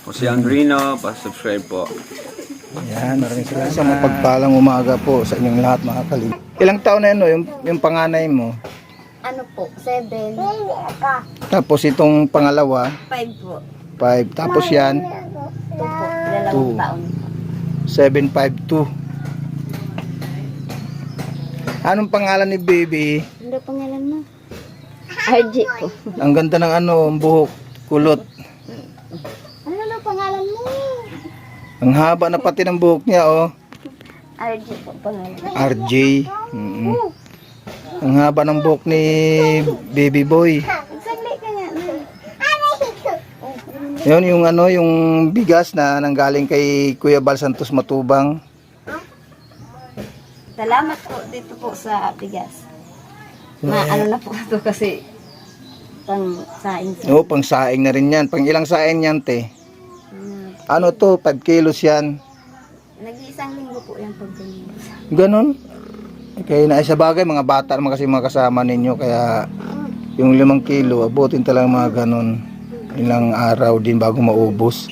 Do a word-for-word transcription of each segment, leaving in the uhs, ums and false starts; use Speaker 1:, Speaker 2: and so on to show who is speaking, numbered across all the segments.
Speaker 1: Jose Andrino, pa-subscribe po.
Speaker 2: Yan, maraming salamat. Sa mapagpalang umaga po sa inyong lahat mga kalinga. Ilang taon na yun, no? yung, yung panganay mo?
Speaker 3: Ano po? Seven.
Speaker 2: Tapos itong pangalawa,
Speaker 3: Five po.
Speaker 2: five. Tapos yan,
Speaker 3: Two po. Dalawang
Speaker 2: Two.
Speaker 3: taon.
Speaker 2: seven five two. Anong pangalan ni baby?
Speaker 3: Ano pangalan mo? R J po.
Speaker 2: Ang ganda ng ano, ang buhok, kulot.
Speaker 3: Ano na pangalan mo?
Speaker 2: Ang haba na pati ng buhok niya, oh.
Speaker 3: R J po pangalan.
Speaker 2: R J. Mm-mm. Ang haba ng buhok ni baby boy.
Speaker 3: Saglit ka nga.
Speaker 2: Yun yung ano, yung bigas na nanggaling kay Kuya Bal Santos Matubang.
Speaker 3: Salamat po dito po sa bigas. Na ano na po ito kasi pang saing sa.
Speaker 2: Oo, pang saing na rin yan. Pang ilang saing yan, te?
Speaker 3: Hmm.
Speaker 2: Ano to? five kilos yan.
Speaker 3: Nag-iisang linggo po yan pag
Speaker 2: Ganon. Kaya na sa bagay, mga bata naman kasi mga kasama ninyo. Kaya yung limang kilo, abutin talaga mga ganon. Ilang araw din bago maubos.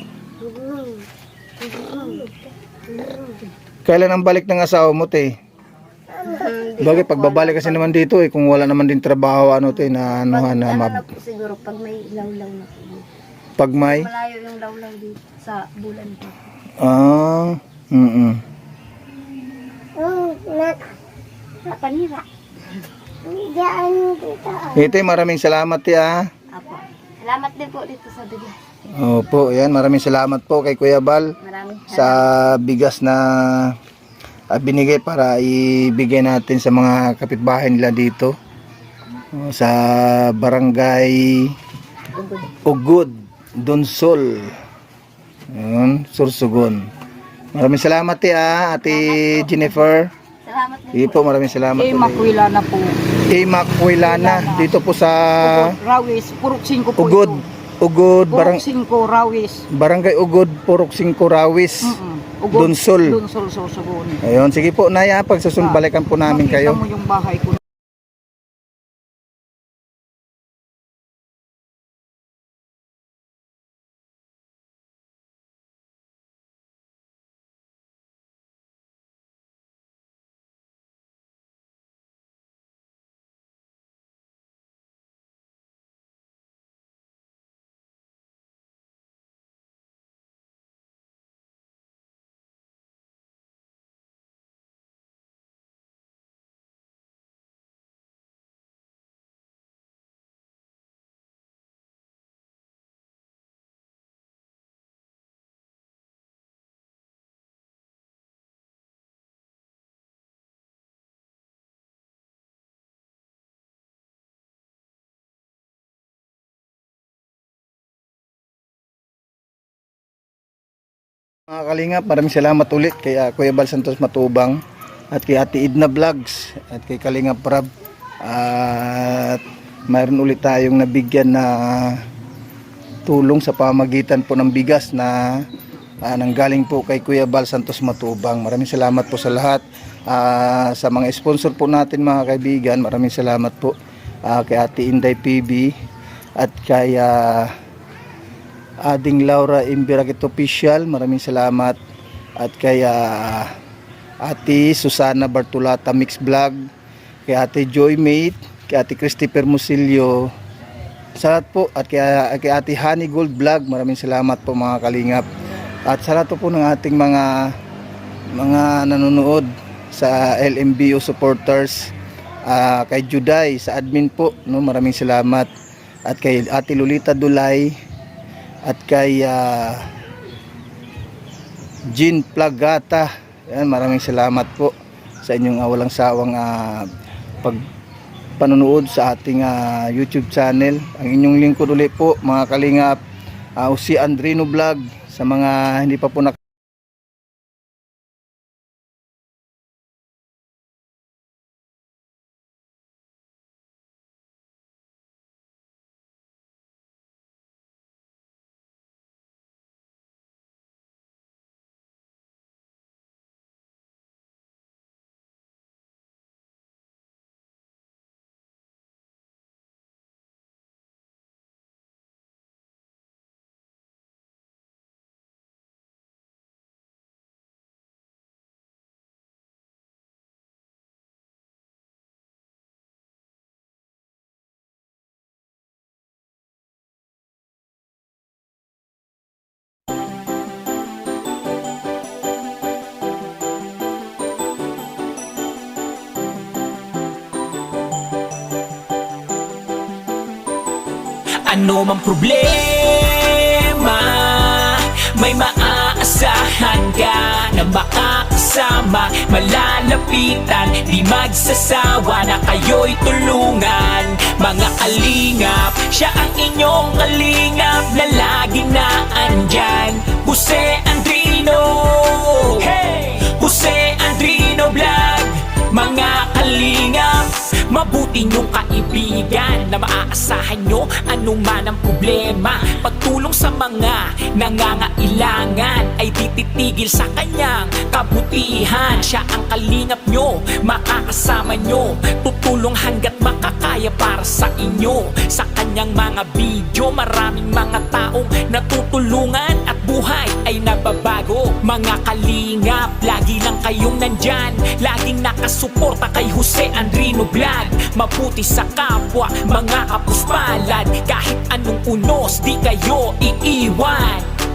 Speaker 2: Kailan ang balik ng asawa mo, te? Bagay, pagbabalik kasi naman dito eh, kung wala naman din trabaho, ano te, na ano,
Speaker 3: pag,
Speaker 2: na
Speaker 3: ano
Speaker 2: mab...
Speaker 3: na po siguro pag may lawlaw na po.
Speaker 2: Pag may...
Speaker 3: Malayo yung lawlaw dito sa bulan po.
Speaker 2: Ah, mm
Speaker 3: Oh, nak. Sa panira. Diyan dito.
Speaker 2: Ito, maraming salamat, te, ah.
Speaker 3: Apo. Salamat din po dito sa bigas.
Speaker 2: Opo, yan, maraming salamat po kay Kuya Bal
Speaker 3: Maraming
Speaker 2: sa bigas na ah, binigay para ibigay natin sa mga kapitbahay nila dito. Oh, sa barangay
Speaker 3: ugod.
Speaker 2: Ugod, Donsol. Yun, Sursugon. Maraming salamat, te, ah, Ate Jennifer.
Speaker 3: Salamat din
Speaker 2: Sige po, maraming salamat.
Speaker 4: Eh, makwila na po.
Speaker 2: Imak Huilana, dito po sa
Speaker 4: Ugod, Rawis, Purok singko po
Speaker 2: Ugod,
Speaker 4: ito.
Speaker 2: Ugod,
Speaker 4: Purok
Speaker 2: barang,
Speaker 4: singko, Rawis.
Speaker 2: Barangay Ugod, Purok Singko, Rawis.
Speaker 4: Mm-mm. Ugod,
Speaker 2: Dunsol.
Speaker 4: Dunsol, Sorsogon.
Speaker 2: Ayun, sige po, Naya, pagsusumbalikan po namin
Speaker 4: Makita
Speaker 2: kayo.
Speaker 4: mo yung bahay ko.
Speaker 2: Mga kalingap, maraming salamat ulit kay uh, Kuya Bal Santos Matubang at kay Ate Idna Vlogs at kay Kalingap Rab. At mayroon ulit tayong nabigyan na tulong sa pamagitan po ng bigas na uh, nanggaling po kay Kuya Bal Santos Matubang. Maraming salamat po sa lahat. Uh, sa mga sponsor po natin mga kaibigan, maraming salamat po uh, kay Ate Inday P B at kay uh, Ading Laura Imbirakit Official, maraming salamat. At kay uh, Ate Susana Bartolata Mix Vlog, kay Ate Joy Mate, kay Ate Christopher Musilio, sa lahat po. At kay, kay Ate Honey Gold Vlog, maraming salamat po mga kalingap. At sa lahat po ng ating mga mga nanonood sa L M B O supporters, uh, kay Juday sa admin po, no, maraming salamat. At kay Ate Lolita Dulay at kay uh, Jean Plagata. Yan, maraming salamat po sa inyong uh, walang sawang uh, pag panonood sa ating uh, YouTube channel. Ang inyong lingkod ulit po mga kalingap, uh, si Andrino Vlog. Sa mga hindi pa po nak
Speaker 5: Ano mang problema, may maaasahan ka na makakasama, malalapitan, di magsasawa na kayo'y tulungan. Mga kalingap, siya ang inyong kalingap na lagi na andyan. Jose Andrino, hey! Jose Andrino Vlog. Mga kalingap, mabuti niyong kaibigan na maaasahan nyo anuman ang problema. Pagtulong sa mga nangangailangan ay tititigil sa kanyang kabutihan. Siya ang kalingap nyo, makakasama nyo, tutulong hanggat makakaya para sa inyo. Sa kanyang mga video, maraming mga taong natutulungan at buhay ay nababago. Mga kalingap, lagi lang kayong nandyan, laging nakasuporta kay Jose Andrino Vlog. Mabuti sa kapwa, mga kapuspalad, kahit anong unos, di kayo iiwan.